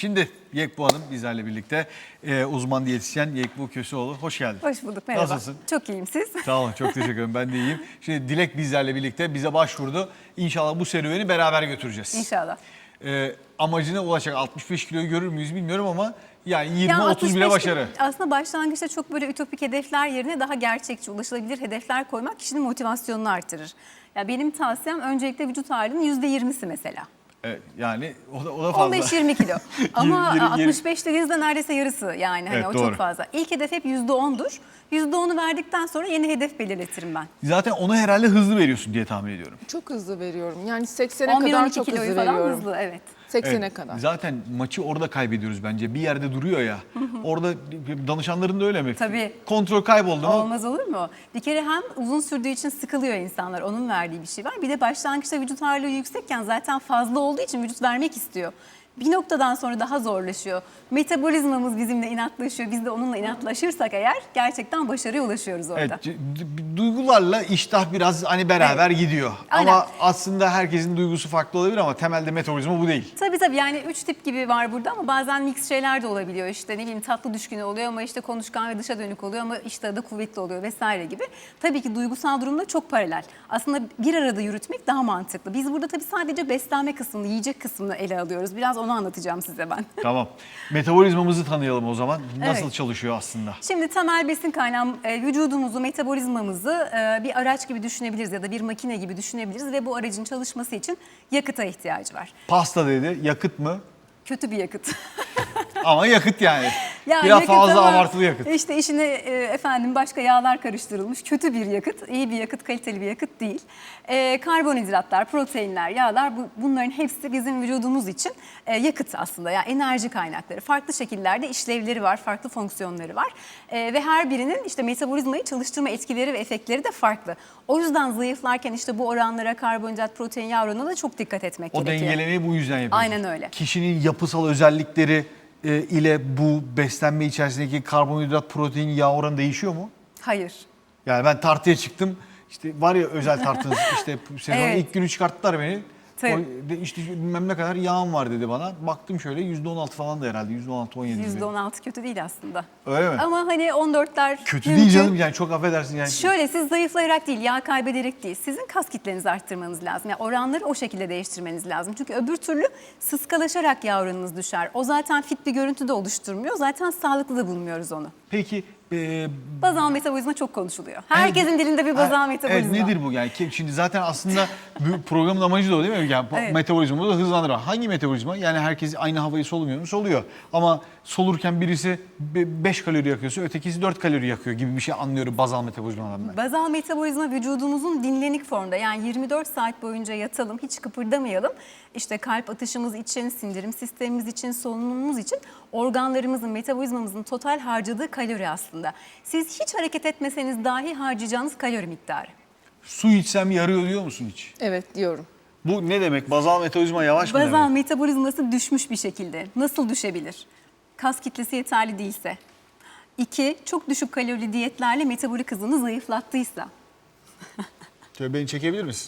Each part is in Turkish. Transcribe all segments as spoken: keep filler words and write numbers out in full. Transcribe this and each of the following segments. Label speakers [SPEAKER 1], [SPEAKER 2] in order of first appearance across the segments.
[SPEAKER 1] Şimdi Yekbu Hanım bizlerle birlikte e, uzman diyetisyen Yekbu Köseoğlu. Hoş geldin.
[SPEAKER 2] Hoş bulduk, merhaba.
[SPEAKER 1] Nasılsın?
[SPEAKER 2] Çok iyiyim, siz?
[SPEAKER 1] Sağ olun, çok teşekkür ederim. Ben de iyiyim. Şimdi Dilek bizlerle birlikte bize başvurdu. İnşallah bu serüveni beraber götüreceğiz.
[SPEAKER 2] İnşallah.
[SPEAKER 1] E, amacına ulaşacak altmış beş kiloyu görür müyüz bilmiyorum ama yani yirmi
[SPEAKER 2] Ya
[SPEAKER 1] otuz bile
[SPEAKER 2] altmış beş
[SPEAKER 1] başarı.
[SPEAKER 2] Aslında başlangıçta çok böyle ütopik hedefler yerine daha gerçekçi, ulaşılabilir hedefler koymak kişinin motivasyonunu artırır. Ya benim tavsiyem öncelikle vücut ağırlığının yüzde yirmisi mesela.
[SPEAKER 1] Evet, yani o da, o da fazla.
[SPEAKER 2] on beş yirmi kilo. Ama
[SPEAKER 1] Yirmi- yirmi-
[SPEAKER 2] altmış beş dediğinizde neredeyse yarısı yani hani
[SPEAKER 1] Evet,
[SPEAKER 2] o
[SPEAKER 1] doğru.
[SPEAKER 2] çok fazla. İlk hedef hep yüzde ondur. yüzde onu verdikten sonra yeni hedef belirletirim ben.
[SPEAKER 1] Zaten onu herhalde hızlı veriyorsun diye tahmin ediyorum.
[SPEAKER 3] Çok hızlı veriyorum. Yani seksene
[SPEAKER 2] on bir
[SPEAKER 3] kadar
[SPEAKER 2] on iki
[SPEAKER 3] çok
[SPEAKER 2] kiloyu
[SPEAKER 3] hızlı
[SPEAKER 2] falan
[SPEAKER 3] veriyorum.
[SPEAKER 2] hızlı, evet.
[SPEAKER 3] seksene
[SPEAKER 1] Evet,
[SPEAKER 3] kadar.
[SPEAKER 1] Zaten maçı orada kaybediyoruz bence. Bir yerde duruyor ya. Orada danışanların da öyle mi?
[SPEAKER 2] Tabii.
[SPEAKER 1] Kontrol kayboldu mu?
[SPEAKER 2] Olmaz olur mu? Bir kere hem uzun sürdüğü için sıkılıyor insanlar. Onun verdiği bir şey var. Bir de başlangıçta vücut ağırlığı yüksekken zaten fazla olduğu için vücut vermek istiyor. Bir noktadan sonra daha zorlaşıyor. Metabolizmamız bizimle inatlaşıyor. Biz de onunla inatlaşırsak eğer gerçekten başarıya ulaşıyoruz orada.
[SPEAKER 1] Evet, c- d- duygularla iştah biraz hani beraber gidiyor.
[SPEAKER 2] Aynen.
[SPEAKER 1] Ama aslında herkesin duygusu farklı olabilir ama temelde metabolizma bu değil.
[SPEAKER 2] Tabii tabii yani üç tip gibi var burada ama bazen mix şeyler de olabiliyor. İşte ne bileyim tatlı düşkünü oluyor ama işte konuşkan ve dışa dönük oluyor ama iştahı da kuvvetli oluyor vesaire gibi. Tabii ki duygusal durumda çok paralel. Aslında bir arada yürütmek daha mantıklı. Biz burada tabii sadece beslenme kısmını, yiyecek kısmını ele alıyoruz. Biraz onu anlatacağım size ben.
[SPEAKER 1] Tamam. Metabolizmamızı tanıyalım o zaman. Nasıl
[SPEAKER 2] Evet.
[SPEAKER 1] çalışıyor aslında?
[SPEAKER 2] Şimdi temel besin kaynağı e, vücudumuzu, metabolizmamızı e, bir araç gibi düşünebiliriz ya da bir makine gibi düşünebiliriz ve bu aracın çalışması için yakıta ihtiyacı var.
[SPEAKER 1] Pasta dedi, yakıt mı?
[SPEAKER 2] Kötü bir yakıt.
[SPEAKER 1] Ama yakıt yani.
[SPEAKER 2] Ya
[SPEAKER 1] Biraz
[SPEAKER 2] yakıt
[SPEAKER 1] fazla
[SPEAKER 2] ama
[SPEAKER 1] abartılı yakıt.
[SPEAKER 2] İşte içine e, efendim başka yağlar karıştırılmış kötü bir yakıt, iyi bir yakıt, kaliteli bir yakıt değil. E, karbonhidratlar, proteinler, yağlar bu, bunların hepsi bizim vücudumuz için e, yakıt aslında. Yani enerji kaynakları. Farklı şekillerde işlevleri var, farklı fonksiyonları var. E, ve her birinin işte metabolizmayı çalıştırma etkileri ve efektleri de farklı. O yüzden zayıflarken işte bu oranlara karbonhidrat, protein, yağ oranına da çok dikkat etmek
[SPEAKER 1] O
[SPEAKER 2] gerekiyor.
[SPEAKER 1] dengelemeyi bu yüzden yapıyoruz.
[SPEAKER 2] Aynen öyle.
[SPEAKER 1] Kişinin yapısal özellikleri e, ile bu beslenme içerisindeki karbonhidrat, protein, yağ oranı değişiyor mu?
[SPEAKER 2] Hayır.
[SPEAKER 1] Yani ben tartıya çıktım. İşte var ya özel tartınız işte sezonun
[SPEAKER 2] Evet.
[SPEAKER 1] ilk günü çıkarttılar beni.
[SPEAKER 2] Tabii.
[SPEAKER 1] O, de, işte bilmem ne kadar yağım var dedi bana. Baktım şöyle yüzde on altı falan da herhalde. yüzde on altı on yedi gibi.
[SPEAKER 2] yüzde on altı kötü değil aslında.
[SPEAKER 1] Öyle mi?
[SPEAKER 2] Ama hani on dörtler
[SPEAKER 1] Kötü
[SPEAKER 2] mümkün.
[SPEAKER 1] değil canım yani çok affedersin yani.
[SPEAKER 2] Şöyle siz zayıflayarak değil, yağ kaybederek değil. Sizin kas kitlenizi arttırmanız lazım. Yani oranları o şekilde değiştirmeniz lazım. Çünkü öbür türlü sıskalaşarak yağ oranınız düşer. O zaten fit bir görüntü de oluşturmuyor. Zaten sağlıklı da bulmuyoruz onu.
[SPEAKER 1] Peki e,
[SPEAKER 2] Bazal metabolizma çok konuşuluyor. Herkesin dilinde bir bazal
[SPEAKER 1] Ha,
[SPEAKER 2] metabolizma.
[SPEAKER 1] Evet, nedir bu yani? Ki- Şimdi zaten aslında bu programın amacı da o değil mi? Yani bu
[SPEAKER 2] Evet.
[SPEAKER 1] metabolizmayı da hızlandırmak. Hangi metabolizma? Yani herkes aynı havayı solumuyor mu? Soluyor. Ama solurken birisi beş kalori yakıyorsa ötekisi dört kalori yakıyor gibi bir şey anlıyorum bazal metabolizmadan ben.
[SPEAKER 2] Bazal metabolizma vücudumuzun dinlenik formda, yani yirmi dört saat boyunca yatalım, hiç kıpırdamayalım. İşte kalp atışımız için, sindirim sistemimiz için, solunumumuz için organlarımızın, metabolizmamızın total harcadığı kalori aslında. Siz hiç hareket etmeseniz dahi harcayacağınız kalori miktarı.
[SPEAKER 1] Su içsem yarıyor diyor musun hiç?
[SPEAKER 3] Evet diyorum.
[SPEAKER 1] Bu ne demek? Bazal metabolizma yavaş mı
[SPEAKER 2] Bazal
[SPEAKER 1] demek?
[SPEAKER 2] metabolizması düşmüş bir şekilde. Nasıl düşebilir? Kas kitlesi yeterli değilse. İki, çok düşük kalorili diyetlerle metabolik hızını zayıflattıysa.
[SPEAKER 1] Şöyle beni çekebilir misin?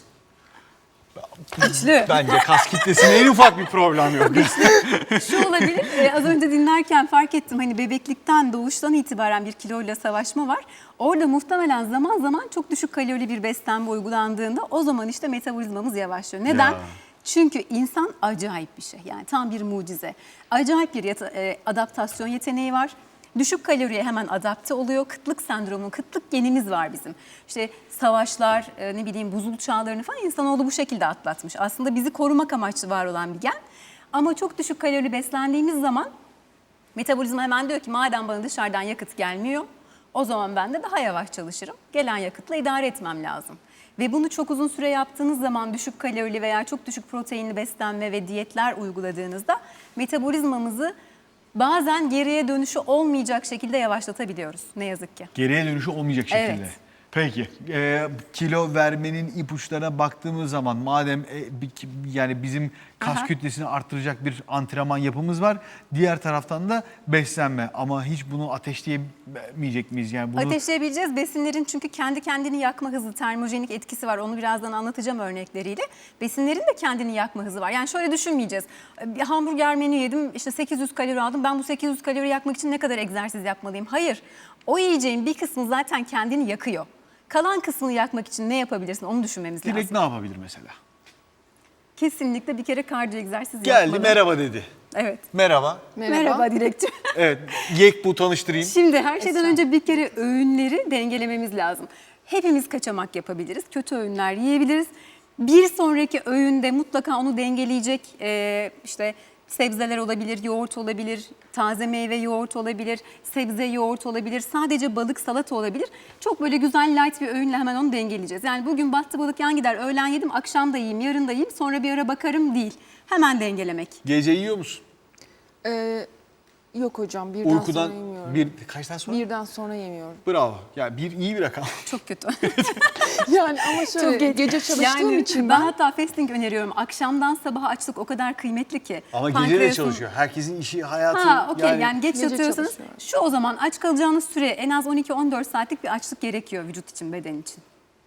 [SPEAKER 2] Güçlü.
[SPEAKER 1] Bence kas kitlesine en ufak bir problem yok.
[SPEAKER 2] Şu olabilir, e, az önce dinlerken fark ettim, hani bebeklikten, doğuştan itibaren bir kiloyla savaşma var. Orada muhtemelen zaman zaman çok düşük kalorili bir beslenme uygulandığında o zaman işte metabolizmamız yavaşlıyor. Neden?
[SPEAKER 1] Ya.
[SPEAKER 2] Çünkü insan acayip bir şey, yani tam bir mucize. Acayip bir yata- e, adaptasyon yeteneği var. Düşük kaloriye hemen adapte oluyor. Kıtlık sendromu, kıtlık genimiz var bizim. İşte savaşlar, e, ne bileyim buzul çağlarını falan insanoğlu bu şekilde atlatmış. Aslında bizi korumak amaçlı var olan bir gen. Ama çok düşük kalorili beslendiğimiz zaman metabolizma hemen diyor ki madem bana dışarıdan yakıt gelmiyor, o zaman ben de daha yavaş çalışırım. Gelen yakıtla idare etmem lazım. Ve bunu çok uzun süre yaptığınız zaman düşük kalorili veya çok düşük proteinli beslenme ve diyetler uyguladığınızda metabolizmamızı bazen geriye dönüşü olmayacak şekilde yavaşlatabiliyoruz ne yazık ki.
[SPEAKER 1] Geriye dönüşü olmayacak şekilde.
[SPEAKER 2] Evet.
[SPEAKER 1] Peki e, kilo vermenin ipuçlarına baktığımız zaman madem e, bir- yani bizim kas
[SPEAKER 2] Aha.
[SPEAKER 1] kütlesini arttıracak bir antrenman yapımız var. Diğer taraftan da beslenme. Ama hiç bunu ateşleyemeyecek miyiz? Yani bunu
[SPEAKER 2] Ateşleyebileceğiz. Besinlerin çünkü kendi kendini yakma hızı, termojenik etkisi var. Onu birazdan anlatacağım örnekleriyle. Besinlerin de kendini yakma hızı var. Yani şöyle düşünmeyeceğiz. Bir hamburger menü yedim, işte sekiz yüz kalori aldım. Ben bu sekiz yüz kalori yakmak için ne kadar egzersiz yapmalıyım? Hayır. O yiyeceğin bir kısmı zaten kendini yakıyor. Kalan kısmını yakmak için ne yapabilirsin? Onu düşünmemiz
[SPEAKER 1] Dilek
[SPEAKER 2] lazım.
[SPEAKER 1] ne yapabilir mesela?
[SPEAKER 2] Kesinlikle bir kere kardiyo egzersiz
[SPEAKER 1] Geldi
[SPEAKER 2] yapmalı.
[SPEAKER 1] merhaba dedi.
[SPEAKER 2] Evet.
[SPEAKER 1] Merhaba.
[SPEAKER 3] Merhaba.
[SPEAKER 2] Merhaba Dilekciğim.
[SPEAKER 1] Evet, Yek bu tanıştırayım.
[SPEAKER 2] Şimdi her şeyden önce bir kere öğünleri dengelememiz lazım. Hepimiz kaçamak yapabiliriz, kötü öğünler yiyebiliriz. Bir sonraki öğünde mutlaka onu dengeleyecek e, işte sebzeler olabilir, yoğurt olabilir, taze meyve yoğurt olabilir, sebze yoğurt olabilir, sadece balık salata olabilir. Çok böyle güzel light bir öğünle hemen onu dengeleyeceğiz. Yani bugün battı balık yan gider, öğlen yedim, akşam da yiyeyim, yarın da yiyeyim, sonra bir ara bakarım değil. Hemen dengelemek.
[SPEAKER 1] Gece yiyor musun?
[SPEAKER 3] Ee, yok hocam birden
[SPEAKER 1] Uykudan
[SPEAKER 3] sonra yemiyorum.
[SPEAKER 1] bir kaçtan sonra?
[SPEAKER 3] Birden sonra yemiyorum.
[SPEAKER 1] Bravo. Ya bir iyi bir rakam.
[SPEAKER 2] Çok kötü.
[SPEAKER 3] Yani ama şöyle
[SPEAKER 2] Çok geç.
[SPEAKER 3] gece çalıştığım
[SPEAKER 2] Yani
[SPEAKER 3] için
[SPEAKER 2] ben
[SPEAKER 3] ben
[SPEAKER 2] hatta fasting öneriyorum. Akşamdan sabaha açlık o kadar kıymetli ki.
[SPEAKER 1] Ama gece de
[SPEAKER 2] Pankreasın-
[SPEAKER 1] çalışıyor. Herkesin işi, hayatı.
[SPEAKER 2] Ha, okey yani, geç
[SPEAKER 3] Gece
[SPEAKER 2] yatıyorsanız
[SPEAKER 3] çalışıyorum.
[SPEAKER 2] şu o zaman aç kalacağınız süre en az on iki on dört saatlik bir açlık gerekiyor vücut için, beden için.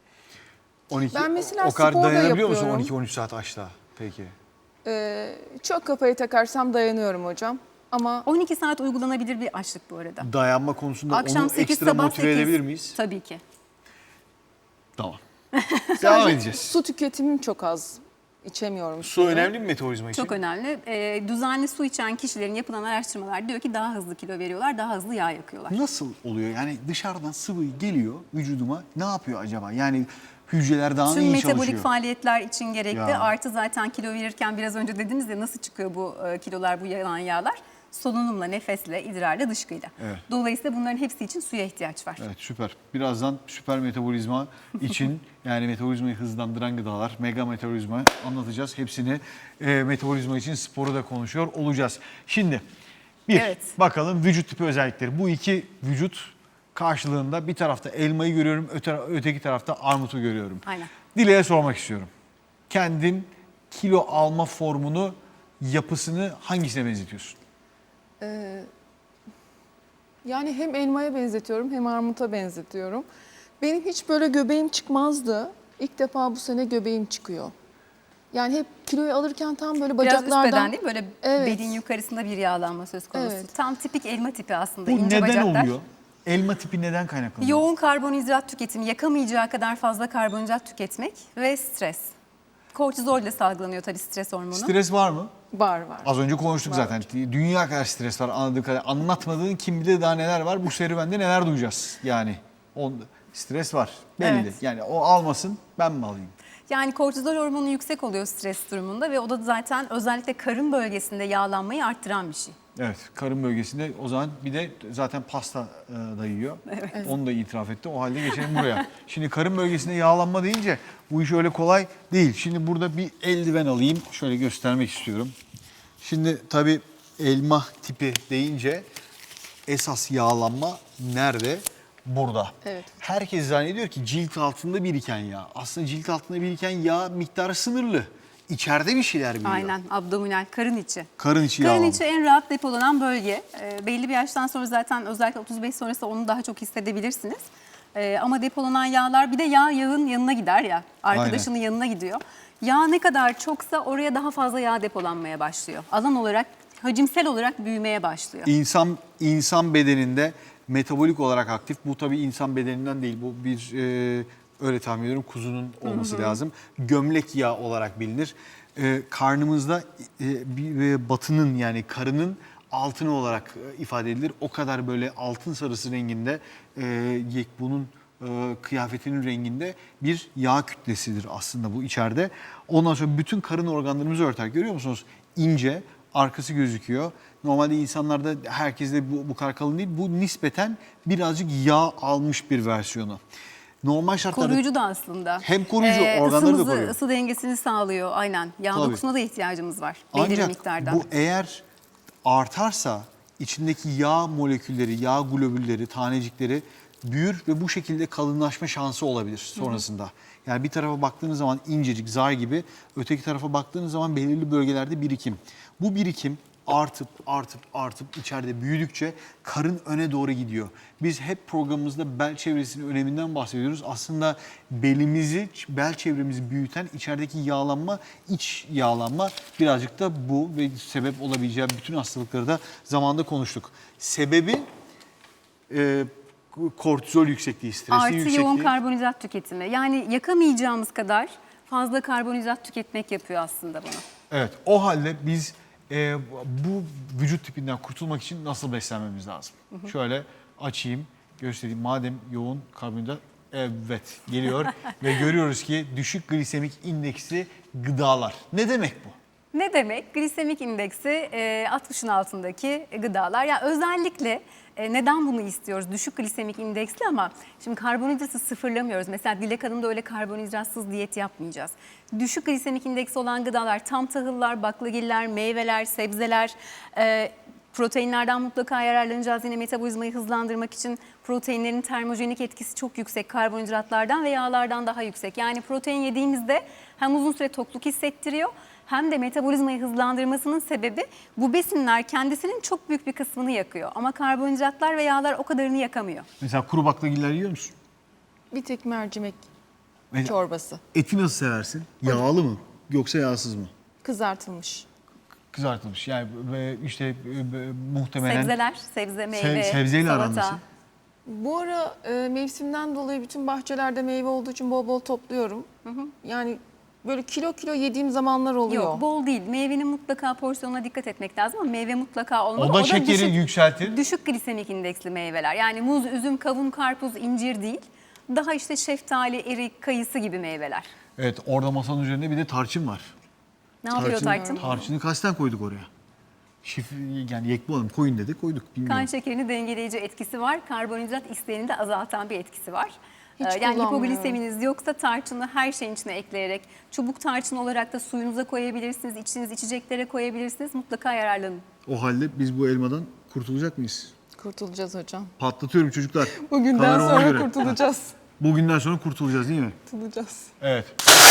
[SPEAKER 1] on iki,
[SPEAKER 3] Ben mesela
[SPEAKER 1] o kadar
[SPEAKER 3] spor da
[SPEAKER 1] dayanabiliyor musun
[SPEAKER 3] yapıyorum.
[SPEAKER 1] on iki on üç saat açta? Peki.
[SPEAKER 3] e, çok kafayı takarsam dayanıyorum hocam. Ama
[SPEAKER 2] on iki saat uygulanabilir bir açlık bu arada.
[SPEAKER 1] Dayanma konusunda
[SPEAKER 2] Akşam
[SPEAKER 1] onu
[SPEAKER 2] sekiz,
[SPEAKER 1] ekstra
[SPEAKER 2] sabah
[SPEAKER 1] motive
[SPEAKER 2] sekiz.
[SPEAKER 1] edebilir miyiz?
[SPEAKER 2] Tabii ki.
[SPEAKER 1] Tamam. Devam edeceğiz.
[SPEAKER 3] su tüketimim çok az. İçemiyorum.
[SPEAKER 1] Su
[SPEAKER 3] suyu.
[SPEAKER 1] önemli mi metabolizma için?
[SPEAKER 2] Çok önemli. Ee, düzenli su içen kişilerin yapılan araştırmalar diyor ki daha hızlı kilo veriyorlar, daha hızlı yağ yakıyorlar.
[SPEAKER 1] Nasıl oluyor? Yani dışarıdan sıvı geliyor vücuduma. Ne yapıyor acaba? Yani hücreler daha mı
[SPEAKER 2] Tüm
[SPEAKER 1] iyi
[SPEAKER 2] metabolik
[SPEAKER 1] çalışıyor?
[SPEAKER 2] faaliyetler için gerekli.
[SPEAKER 1] Ya.
[SPEAKER 2] Artı zaten kilo verirken biraz önce dediniz ya nasıl çıkıyor bu e, kilolar, bu yanan yağlar? Solunumla, nefesle, idrarla, dışkıyla.
[SPEAKER 1] Evet.
[SPEAKER 2] Dolayısıyla bunların hepsi için suya ihtiyaç var.
[SPEAKER 1] Evet, süper. Birazdan süper metabolizma için yani metabolizmayı hızlandıran gıdalar, mega metabolizma anlatacağız. Hepsini e, metabolizma için sporu da konuşuyor olacağız. Şimdi bir
[SPEAKER 2] Evet.
[SPEAKER 1] bakalım vücut tipi özellikleri. Bu iki vücut karşılığında bir tarafta elmayı görüyorum, öte, öteki tarafta armutu görüyorum.
[SPEAKER 2] Aynen.
[SPEAKER 1] Dile'ye sormak istiyorum. Kendin kilo alma formunu, yapısını hangisine benzetiyorsun?
[SPEAKER 3] Ee, yani hem elmaya benzetiyorum hem armuta benzetiyorum. Benim hiç böyle göbeğim çıkmazdı. İlk defa bu sene göbeğim çıkıyor. Yani hep kiloyu alırken tam böyle
[SPEAKER 2] Biraz üst
[SPEAKER 3] bacaklardan...
[SPEAKER 2] beden değil mi? Böyle
[SPEAKER 3] Evet.
[SPEAKER 2] belin yukarısında bir yağlanma söz konusu.
[SPEAKER 3] Evet.
[SPEAKER 2] Tam tipik elma tipi aslında.
[SPEAKER 1] Bu
[SPEAKER 2] ince
[SPEAKER 1] neden
[SPEAKER 2] bacaklar.
[SPEAKER 1] oluyor? Elma tipi neden kaynaklanıyor?
[SPEAKER 2] Yoğun karbonhidrat tüketimi, yakamayacağı kadar fazla karbonhidrat tüketmek ve stres. Kortizol ile salgılanıyor tabii stres hormonu.
[SPEAKER 1] Stres var mı?
[SPEAKER 3] Var var.
[SPEAKER 1] Az önce konuştuk zaten. Dünya kadar stres var anladığı kadar. Anlatmadığın kim bilir daha neler var. Bu serüvende neler duyacağız yani. On, stres var belli.
[SPEAKER 2] Evet.
[SPEAKER 1] Yani o almasın ben mi alayım?
[SPEAKER 2] Yani kortizol hormonu yüksek oluyor stres durumunda ve o da zaten özellikle karın bölgesinde yağlanmayı arttıran bir şey.
[SPEAKER 1] Evet, karın bölgesinde o zaman bir de zaten pasta e, da yiyor. Onu da itiraf etti. O halde geçelim buraya. Şimdi karın bölgesinde yağlanma deyince bu iş öyle kolay değil. Şimdi burada bir eldiven alayım. Şöyle göstermek istiyorum. Şimdi tabii elma tipi deyince esas yağlanma nerede? Burada.
[SPEAKER 3] Evet.
[SPEAKER 1] Herkes zannediyor ki cilt altında biriken yağ. Aslında cilt altında biriken yağ miktarı sınırlı. İçeride bir şeyler biliyor.
[SPEAKER 2] Aynen, abdominal, karın içi.
[SPEAKER 1] Karın içi
[SPEAKER 2] Karın
[SPEAKER 1] yağlanma.
[SPEAKER 2] içi en rahat depolanan bölge. E, belli bir yaştan sonra zaten özellikle otuz beş sonrası onu daha çok hissedebilirsiniz. E, ama depolanan yağlar bir de yağ yağın yanına gider ya. Arkadaşının yanına gidiyor. Yağ ne kadar çoksa oraya daha fazla yağ depolanmaya başlıyor. Alan olarak, hacimsel olarak büyümeye başlıyor.
[SPEAKER 1] İnsan insan bedeninde metabolik olarak aktif. Bu tabii insan bedeninden değil. Bu bir e, öyle tahmin ediyorum kuzunun olması hı hı. lazım. Gömlek yağı olarak bilinir. E, karnımızda e, bir e, batının yani karının altını olarak e, ifade edilir. O kadar böyle altın sarısı renginde e, yekbunun e, kıyafetinin renginde bir yağ kütlesidir aslında bu içeride. Ondan sonra bütün karın organlarımızı örter. Görüyor musunuz? İnce, arkası gözüküyor. Normalde insanlarda herkeste bu, bu kadar kalın değil. Bu nispeten birazcık yağ almış bir versiyonu. Normal şartlarda...
[SPEAKER 2] Koruyucu da aslında.
[SPEAKER 1] Hem koruyucu,
[SPEAKER 2] Ee,
[SPEAKER 1] organları da
[SPEAKER 2] ısımızı,
[SPEAKER 1] koruyor.
[SPEAKER 2] ısı dengesini sağlıyor aynen. Yağ
[SPEAKER 1] Tabii.
[SPEAKER 2] dokusuna da ihtiyacımız var belli bir
[SPEAKER 1] Ancak
[SPEAKER 2] miktardan.
[SPEAKER 1] bu eğer artarsa içindeki yağ molekülleri, yağ globülleri, tanecikleri büyür ve bu şekilde kalınlaşma şansı olabilir sonrasında. Yani bir tarafa baktığınız zaman incecik, zar gibi, öteki tarafa baktığınız zaman belirli bölgelerde birikim. Bu birikim artıp artıp artıp içeride büyüdükçe karın öne doğru gidiyor. Biz hep programımızda bel çevresinin öneminden bahsediyoruz. Aslında belimizi, bel çevremizi büyüten içerideki yağlanma, iç yağlanma, birazcık da bu ve sebep olabileceği bütün hastalıkları da zamanında konuştuk. Sebebi e, kortizol yüksekliği, stresin
[SPEAKER 2] Artı
[SPEAKER 1] yüksekliği.
[SPEAKER 2] yoğun karbonhidrat tüketimi. Yani yakamayacağımız kadar fazla karbonhidrat tüketmek yapıyor aslında bunu.
[SPEAKER 1] Evet, o halde biz e, bu vücut tipinden kurtulmak için nasıl beslenmemiz lazım? Hı hı. Şöyle açayım, göstereyim. Madem yoğun karbonhidrat, evet geliyor ve görüyoruz ki düşük glisemik indeksli gıdalar. Ne demek bu?
[SPEAKER 2] Ne demek? Glisemik indeksi e, altmışın altındaki gıdalar. Yani özellikle e, neden bunu istiyoruz? Düşük glisemik indeksli ama şimdi karbonhidratı sıfırlamıyoruz. Mesela Dilek Hanım'da öyle karbonhidratsız diyet yapmayacağız. Düşük glisemik indeksi olan gıdalar tam tahıllar, baklagiller, meyveler, sebzeler, e, proteinlerden mutlaka yararlanacağız. Yine metabolizmayı hızlandırmak için proteinlerin termojenik etkisi çok yüksek. Karbonhidratlardan ve yağlardan daha yüksek. Yani protein yediğimizde hem uzun süre tokluk hissettiriyor hem de metabolizmayı hızlandırmasının sebebi bu besinler kendisinin çok büyük bir kısmını yakıyor. Ama karbonhidratlar ve yağlar o kadarını yakamıyor.
[SPEAKER 1] Mesela kuru baklagiller yiyor musun?
[SPEAKER 3] Bir tek mercimek
[SPEAKER 1] Mesela
[SPEAKER 3] çorbası.
[SPEAKER 1] eti nasıl seversin? Yağlı mı yoksa yağsız mı?
[SPEAKER 3] Kızartılmış.
[SPEAKER 1] Kızartılmış. Yani e, işte e, e, muhtemelen
[SPEAKER 2] Sebzeler, sebze, meyve,
[SPEAKER 1] Se- sebzeyle aran
[SPEAKER 2] salata.
[SPEAKER 1] nasıl?
[SPEAKER 3] Bu ara e, mevsimden dolayı bütün bahçelerde meyve olduğu için bol bol topluyorum. Yani böyle kilo kilo yediğim zamanlar oluyor.
[SPEAKER 2] Yok, bol değil. Meyvenin mutlaka porsiyonuna dikkat etmek lazım ama meyve mutlaka olmalı.
[SPEAKER 1] O da şekeri
[SPEAKER 2] düşük,
[SPEAKER 1] yükseltir.
[SPEAKER 2] düşük glisemik indeksli meyveler. Yani muz, üzüm, kavun, karpuz, incir değil. Daha işte şeftali, erik, kayısı gibi meyveler.
[SPEAKER 1] Evet, orada masanın üzerinde bir de tarçın var.
[SPEAKER 2] Ne yapıyor tarçın?
[SPEAKER 1] Tarçını kasten koyduk oraya. Şif, yani yekbu hanım koyun dedik, koyduk. Bilmiyorum.
[SPEAKER 2] Kan şekerini dengeleyici etkisi var. Karbonhidrat isteğini de azaltan bir etkisi var.
[SPEAKER 3] Hiç
[SPEAKER 2] Ee, yani
[SPEAKER 3] kullanmıyorum.
[SPEAKER 2] hipogliseminiz yoksa tarçını her şeyin içine ekleyerek çubuk tarçın olarak da suyunuza koyabilirsiniz, içtiğiniz içeceklere koyabilirsiniz. Mutlaka yararlanın.
[SPEAKER 1] O halde biz bu elmadan kurtulacak mıyız?
[SPEAKER 3] Kurtulacağız hocam.
[SPEAKER 1] Patlatıyorum çocuklar.
[SPEAKER 3] Bugünden
[SPEAKER 1] Kamera ona
[SPEAKER 3] sonra
[SPEAKER 1] göre.
[SPEAKER 3] kurtulacağız.
[SPEAKER 1] Bugünden sonra kurtulacağız değil mi?
[SPEAKER 3] Kurtulacağız.
[SPEAKER 1] Evet.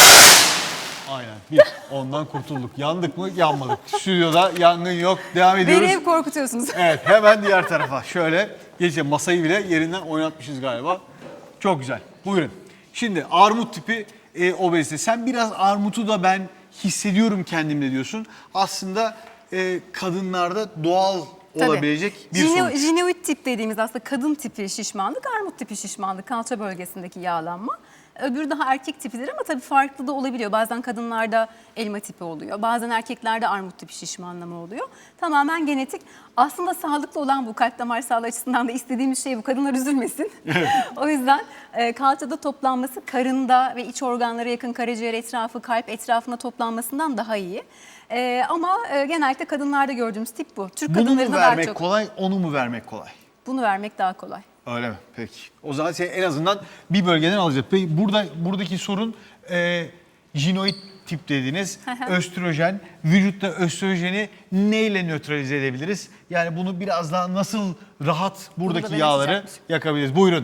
[SPEAKER 1] Aynen. Bir. Ondan kurtulduk. Yandık mı? Yanmadık. Stüdyoda yangın yok. Devam ediyoruz.
[SPEAKER 2] Beni hep korkutuyorsunuz.
[SPEAKER 1] Evet, hemen diğer tarafa. Şöyle geçelim. Masayı bile yerinden oynatmışız galiba. Çok güzel. Buyurun. Şimdi armut tipi e, obezite. Sen biraz armutu da ben hissediyorum kendimde diyorsun. Aslında e, kadınlarda doğal olabilecek bir
[SPEAKER 2] Jine-
[SPEAKER 1] sonuç.
[SPEAKER 2] Jineoid tip dediğimiz aslında kadın tipi şişmanlık, armut tipi şişmanlık, kalça bölgesindeki yağlanma. Öbürü daha erkek tipidir ama tabii farklı da olabiliyor. Bazen kadınlarda elma tipi oluyor. Bazen erkeklerde armut tipi şişmanlama oluyor. Tamamen genetik. Aslında sağlıklı olan bu, kalp damar sağlığı açısından da istediğimiz şey bu. Kadınlar üzülmesin. O yüzden e, kalçada toplanması karında ve iç organlara yakın karaciğer etrafı, kalp etrafına toplanmasından daha iyi. E, ama e, genellikle kadınlarda gördüğümüz tip bu. Türk
[SPEAKER 1] Bunu mu
[SPEAKER 2] kadınlarında daha
[SPEAKER 1] vermek
[SPEAKER 2] çok.
[SPEAKER 1] kolay, onu mu vermek kolay?
[SPEAKER 2] Bunu vermek daha kolay.
[SPEAKER 1] Öyle mi? Peki. O zaman sen en azından bir bölgeden alacağız. Peki burada buradaki sorun e, jinoid tip dediğiniz östrojen. Vücutta östrojeni neyle nötralize edebiliriz? Yani bunu biraz daha nasıl rahat buradaki
[SPEAKER 2] ben
[SPEAKER 1] yağları
[SPEAKER 2] açacakmışım.
[SPEAKER 1] yakabiliriz? Buyurun.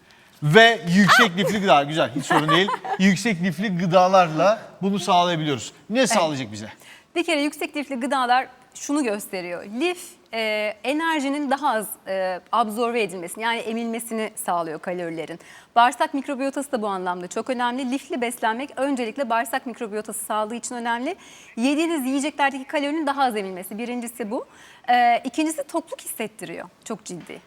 [SPEAKER 1] Ve yüksek lifli gıda. Güzel, hiç sorun değil. Yüksek lifli gıdalarla bunu sağlayabiliyoruz. Ne sağlayacak bize?
[SPEAKER 2] Bir kere yüksek lifli gıdalar şunu gösteriyor. Lif e, enerjinin daha az e, absorbe edilmesini, yani emilmesini sağlıyor kalorilerin. Bağırsak mikrobiyotası da bu anlamda çok önemli. Lifli beslenmek öncelikle bağırsak mikrobiyotası sağlığı için önemli. Yediğiniz yiyeceklerdeki kalorinin daha az emilmesi. Birincisi bu. E, ikincisi tokluk hissettiriyor. Çok ciddi.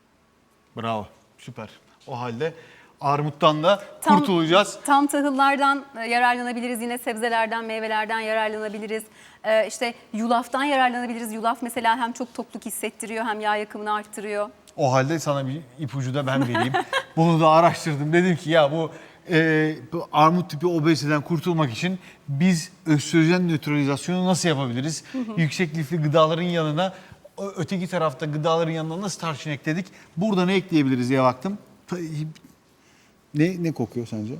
[SPEAKER 1] Bravo, süper. O halde armuttan da
[SPEAKER 2] Tam-
[SPEAKER 1] kurtulacağız.
[SPEAKER 2] Tam tahıllardan e, yararlanabiliriz, yine sebzelerden, meyvelerden yararlanabiliriz. Ee, işte yulaftan yararlanabiliriz. Yulaf mesela hem çok tokluk hissettiriyor hem yağ yakımını arttırıyor.
[SPEAKER 1] O halde sana bir ipucu da ben vereyim. Bunu da araştırdım. Dedim ki ya bu, e, bu armut tipi obeziteden kurtulmak için biz östrojen nötralizasyonu nasıl yapabiliriz? Yüksek lifli gıdaların yanına, ö- öteki tarafta gıdaların yanına nasıl tarçın ekledik? Burada ne ekleyebiliriz diye baktım. Ta- Ne ne kokuyor sence?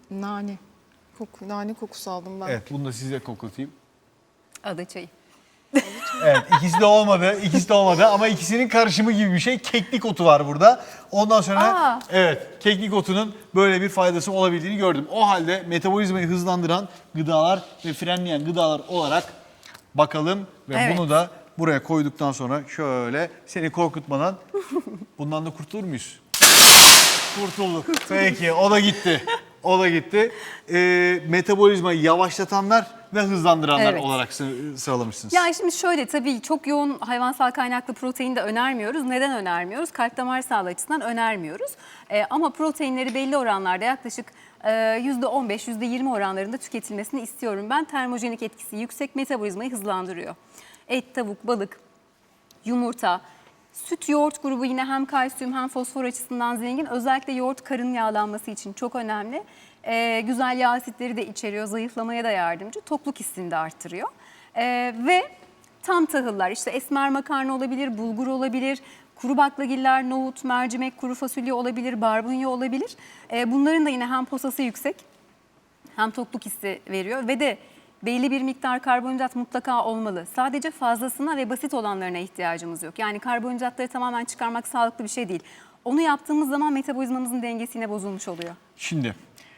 [SPEAKER 3] Nane. Koku, nane kokusu aldım ben.
[SPEAKER 1] Evet, bunu da size koklatayım.
[SPEAKER 2] Ada çayı.
[SPEAKER 1] Evet, ikisi de olmadı. İkisi de olmadı ama ikisinin karışımı gibi bir şey. Keklik otu var burada. Ondan sonra
[SPEAKER 2] Aa.
[SPEAKER 1] evet, keklik otunun böyle bir faydası olabildiğini gördüm. O halde metabolizmayı hızlandıran gıdalar ve frenleyen gıdalar olarak bakalım ve
[SPEAKER 2] Evet.
[SPEAKER 1] bunu da buraya koyduktan sonra şöyle seni korkutmadan bundan da kurtulur muyuz? Kurtulduk. Peki, o da gitti. O da gitti. Ee, metabolizmayı yavaşlatanlar ve hızlandıranlar
[SPEAKER 2] Evet.
[SPEAKER 1] olarak sı- sıralamışsınız.
[SPEAKER 2] Ya şimdi şöyle, tabii çok yoğun hayvansal kaynaklı protein de önermiyoruz. Neden önermiyoruz? Kalp damar sağlığı açısından önermiyoruz. Ee, ama proteinleri belli oranlarda, yaklaşık e, yüzde on beş yüzde yirmi oranlarında tüketilmesini istiyorum. Ben termojenik etkisi yüksek, metabolizmayı hızlandırıyor. Et, tavuk, balık, yumurta, süt, yoğurt grubu yine hem kalsiyum hem fosfor açısından zengin. Özellikle yoğurt karın yağlanması için çok önemli. Ee, güzel yağ asitleri de içeriyor, zayıflamaya da yardımcı. Tokluk hissini de arttırıyor. Ee, ve tam tahıllar, işte esmer makarna olabilir, bulgur olabilir, kuru baklagiller, nohut, mercimek, kuru fasulye olabilir, barbunya olabilir. Ee, bunların da yine hem posası yüksek hem tokluk hissi veriyor ve de belli bir miktar karbonhidrat mutlaka olmalı. Sadece fazlasına ve basit olanlarına ihtiyacımız yok. Yani karbonhidratları tamamen çıkarmak sağlıklı bir şey değil. Onu yaptığımız zaman metabolizmamızın dengesi yine bozulmuş oluyor.
[SPEAKER 1] Şimdi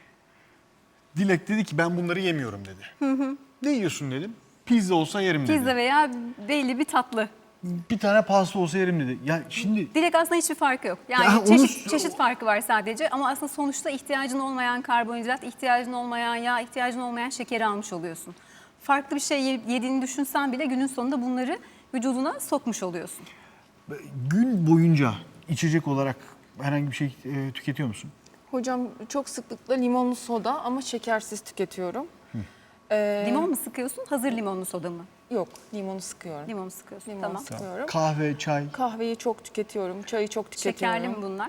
[SPEAKER 1] Dilek dedi ki ben bunları yemiyorum dedi. Hı hı. Ne yiyorsun dedim. Pizza olsa yerim dedi.
[SPEAKER 2] Pizza veya belli bir tatlı.
[SPEAKER 1] Bir tane pasta olsa yerim dedi. Ya şimdi
[SPEAKER 2] Dilek aslında hiçbir farkı yok. Yani
[SPEAKER 1] Ya onu-
[SPEAKER 2] çeşit, çeşit farkı var sadece ama aslında sonuçta ihtiyacın olmayan karbonhidrat, ihtiyacın olmayan yağ, ihtiyacın olmayan şekeri almış oluyorsun. Farklı bir şey ye- yediğini düşünsen bile günün sonunda bunları vücuduna sokmuş oluyorsun.
[SPEAKER 1] gün boyunca içecek olarak herhangi bir şey e, tüketiyor musun?
[SPEAKER 3] Hocam çok sıklıkla limonlu soda ama şekersiz tüketiyorum. Ee,
[SPEAKER 2] Limon mu sıkıyorsun, hazır limonlu soda mı?
[SPEAKER 3] Yok, limonu sıkıyorum.
[SPEAKER 2] Limon sıkıyorsun,
[SPEAKER 3] Limon
[SPEAKER 2] tamam.
[SPEAKER 3] sıkıyorum. Sıkıyorum.
[SPEAKER 1] Kahve, çay.
[SPEAKER 3] Kahveyi çok tüketiyorum, çayı çok tüketiyorum.
[SPEAKER 2] Şekerli mi bunlar?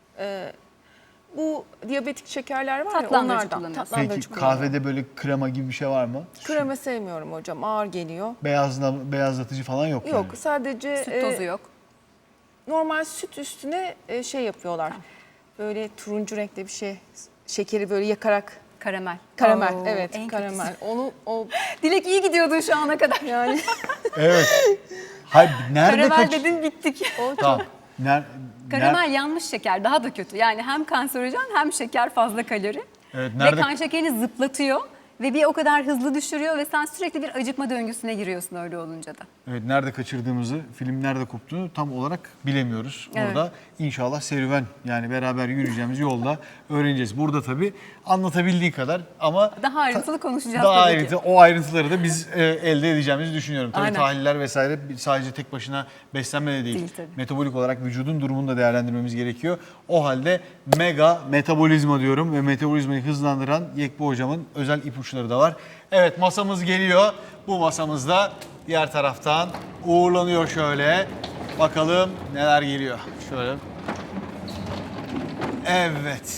[SPEAKER 3] Bu diyabetik şekerler var ya
[SPEAKER 2] Tatlandırıcı
[SPEAKER 3] onlardan.
[SPEAKER 2] kullanıyorsun.
[SPEAKER 3] Tatlandırıcı
[SPEAKER 1] Peki
[SPEAKER 3] kullanıyorum.
[SPEAKER 1] kahvede böyle krema gibi bir şey var mı?
[SPEAKER 3] Krema sevmiyorum hocam, ağır geliyor.
[SPEAKER 1] Beyazla, beyazlatıcı falan yok
[SPEAKER 3] Yok,
[SPEAKER 1] yani.
[SPEAKER 3] sadece
[SPEAKER 2] Süt
[SPEAKER 3] e,
[SPEAKER 2] tozu yok.
[SPEAKER 3] normal süt üstüne e, şey yapıyorlar. Böyle turuncu renkli bir şey, şekeri böyle yakarak.
[SPEAKER 2] Karamel.
[SPEAKER 3] Karamel,
[SPEAKER 2] Oo,
[SPEAKER 3] evet,
[SPEAKER 2] en
[SPEAKER 3] karamel.
[SPEAKER 2] kötüsü.
[SPEAKER 3] Onu o
[SPEAKER 2] Dilek iyi gidiyordun şu ana kadar.
[SPEAKER 3] yani
[SPEAKER 1] Evet. Hayır, nerede
[SPEAKER 2] Karamel
[SPEAKER 1] kaç...
[SPEAKER 2] dedin, bittik.
[SPEAKER 3] o
[SPEAKER 1] Tamam. Ner...
[SPEAKER 2] Karamel yanmış şeker, daha da kötü. Yani hem kanserojen hem şeker, fazla kalori.
[SPEAKER 1] Evet,
[SPEAKER 2] Ve
[SPEAKER 1] nerede...
[SPEAKER 2] kan şekerini zıplatıyor ve bir o kadar hızlı düşürüyor ve sen sürekli bir acıkma döngüsüne giriyorsun öyle olunca da.
[SPEAKER 1] Evet, nerede kaçırdığımızı, film nerede koptuğunu tam olarak bilemiyoruz.
[SPEAKER 2] Evet.
[SPEAKER 1] Orada inşallah serüven, yani beraber yürüyeceğimiz yolda öğreneceğiz. Burada tabii anlatabildiği kadar ama
[SPEAKER 2] Daha ayrıntılı konuşacağız
[SPEAKER 1] daha
[SPEAKER 2] tabii ki.
[SPEAKER 1] ayrıntı, o ayrıntıları da biz e, elde edeceğimizi düşünüyorum. Tabii
[SPEAKER 2] Aynen.
[SPEAKER 1] tahliller vesaire sadece tek başına beslenme de değil.
[SPEAKER 2] Değil tabii.
[SPEAKER 1] Metabolik olarak vücudun durumunu da değerlendirmemiz gerekiyor. O halde mega metabolizma diyorum ve metabolizmayı hızlandıran Yekbu hocamın özel ipuçları da var. Evet, masamız geliyor. Bu masamızda diğer taraftan uğurlanıyor şöyle. Bakalım neler geliyor. Şöyle. Evet.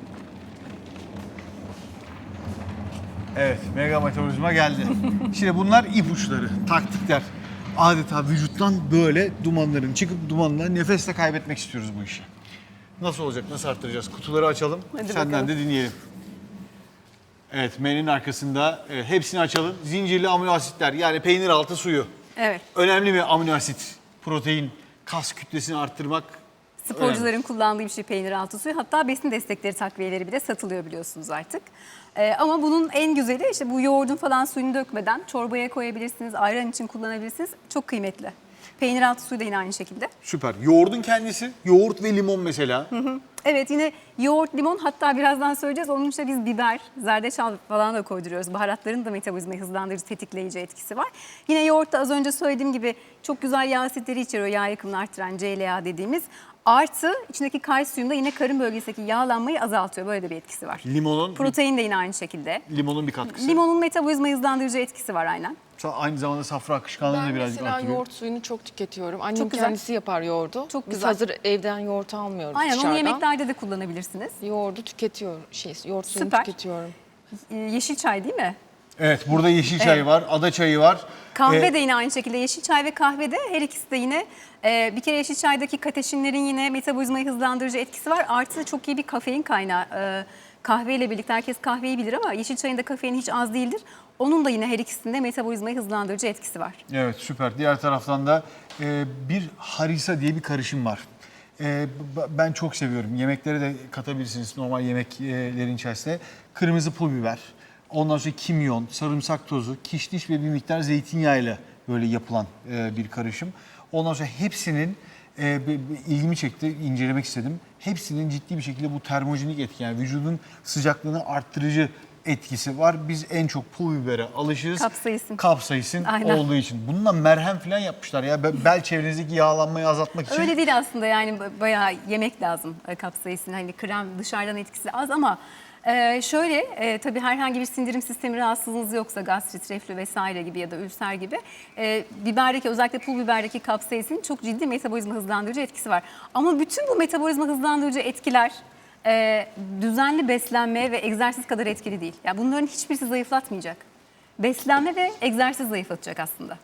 [SPEAKER 1] Evet, mega metabolizma geldi. Şimdi bunlar ipuçları, taktikler. Adeta vücuttan böyle dumanların çıkıp dumanla nefesle kaybetmek istiyoruz bu işi. Nasıl olacak, nasıl arttıracağız? Kutuları açalım,
[SPEAKER 2] Hadi
[SPEAKER 1] senden
[SPEAKER 2] bakalım.
[SPEAKER 1] de dinleyelim. Evet, menünün arkasında evet, hepsini açalım. Zincirli amino asitler, yani peynir altı suyu.
[SPEAKER 2] Evet.
[SPEAKER 1] Önemli mi amino asit, protein, kas kütlesini arttırmak?
[SPEAKER 2] Sporcuların kullandığı bir şey peynir altı suyu. Hatta besin destekleri takviyeleri bile satılıyor biliyorsunuz artık. Ee, ama bunun en güzeli işte bu yoğurdun falan suyunu dökmeden çorbaya koyabilirsiniz, ayran için kullanabilirsiniz. Çok kıymetli. Peynir altı suyu da yine aynı şekilde.
[SPEAKER 1] Süper. Yoğurdun kendisi, yoğurt ve limon mesela.
[SPEAKER 2] Evet, yine yoğurt, limon, hatta birazdan söyleyeceğiz. Onun için biz biber, zerdeçal falan da koyduruyoruz. Baharatların da metabolizmayı hızlandırıcı, tetikleyici etkisi var. Yine yoğurtta az önce söylediğim gibi çok güzel yağ asitleri içeriyor. Yağ yakımını arttıran C L A dediğimiz. Artı içindeki kalsiyum da yine karın bölgesindeki yağlanmayı azaltıyor. Böyle de bir etkisi var.
[SPEAKER 1] Limonun,
[SPEAKER 2] Protein de yine aynı şekilde.
[SPEAKER 1] limonun bir katkısı.
[SPEAKER 2] Limonun metabolizmayı hızlandırıcı etkisi var aynen.
[SPEAKER 1] Aynı zamanda safra akışkanlığını
[SPEAKER 3] ben
[SPEAKER 1] da birazcık
[SPEAKER 3] mesela
[SPEAKER 1] artırıyor.
[SPEAKER 3] yoğurt suyunu çok tüketiyorum. Annem
[SPEAKER 2] Çok güzel.
[SPEAKER 3] kendisi yapar yoğurdu.
[SPEAKER 2] Çok
[SPEAKER 3] Biz
[SPEAKER 2] güzel.
[SPEAKER 3] hazır evden yoğurt almıyoruz
[SPEAKER 2] Aynen,
[SPEAKER 3] dışarıdan.
[SPEAKER 2] onu yemeklerde de kullanabilirsiniz.
[SPEAKER 3] Yoğurdu tüketiyorum. Şey, yoğurt suyunu
[SPEAKER 2] Süper.
[SPEAKER 3] tüketiyorum.
[SPEAKER 2] Ee, Yeşil çay değil mi?
[SPEAKER 1] Evet, burada yeşil çay
[SPEAKER 2] Evet.
[SPEAKER 1] var, ada çayı var.
[SPEAKER 2] Kahve
[SPEAKER 1] Ee,
[SPEAKER 2] de yine aynı şekilde, yeşil çay ve kahve de her ikisi de yine e, bir kere yeşil çaydaki kateşinlerin yine metabolizmayı hızlandırıcı etkisi var. Artı çok iyi bir kafein kaynağı. E, kahveyle birlikte herkes kahveyi bilir ama yeşil çayın da kafeini hiç az değildir. Onun da yine her ikisinde metabolizmayı hızlandırıcı etkisi var.
[SPEAKER 1] Evet, süper. Diğer taraftan da e, bir harisa diye bir karışım var. E, b- ben çok seviyorum. Yemeklere de katabilirsiniz normal yemeklerin içerisine. Kırmızı pul biber, ondan sonra kimyon, sarımsak tozu, kişniş ve bir miktar zeytinyağıyla böyle yapılan e, bir karışım. Ondan sonra hepsinin e, b- b- ilgimi çekti, incelemek istedim. Hepsinin ciddi bir şekilde bu termojenik etki, yani vücudun sıcaklığını arttırıcı etkisi var. Biz en çok pul bibere alışırız.
[SPEAKER 2] Kapsaisin.
[SPEAKER 1] Kapsaisin
[SPEAKER 2] Aynen.
[SPEAKER 1] olduğu için. Bununla merhem falan yapmışlar ya. Be- Bel çevrenizdeki yağlanmayı azaltmak için.
[SPEAKER 2] Öyle değil aslında, yani ba- bayağı yemek lazım e, kapsaisin. Hani krem dışarıdan etkisi az ama e, şöyle e, tabii herhangi bir sindirim sistemi rahatsızlığınız yoksa, gastrit, reflü vesaire gibi ya da ülser gibi e, biberdeki, özellikle pul biberdeki kapsaisin çok ciddi metabolizma hızlandırıcı etkisi var. Ama bütün bu metabolizma hızlandırıcı etkiler e, düzenli beslenme ve egzersiz kadar etkili değil. Yani bunların hiçbirisi zayıflatmayacak. Beslenme ve egzersiz zayıflatacak aslında.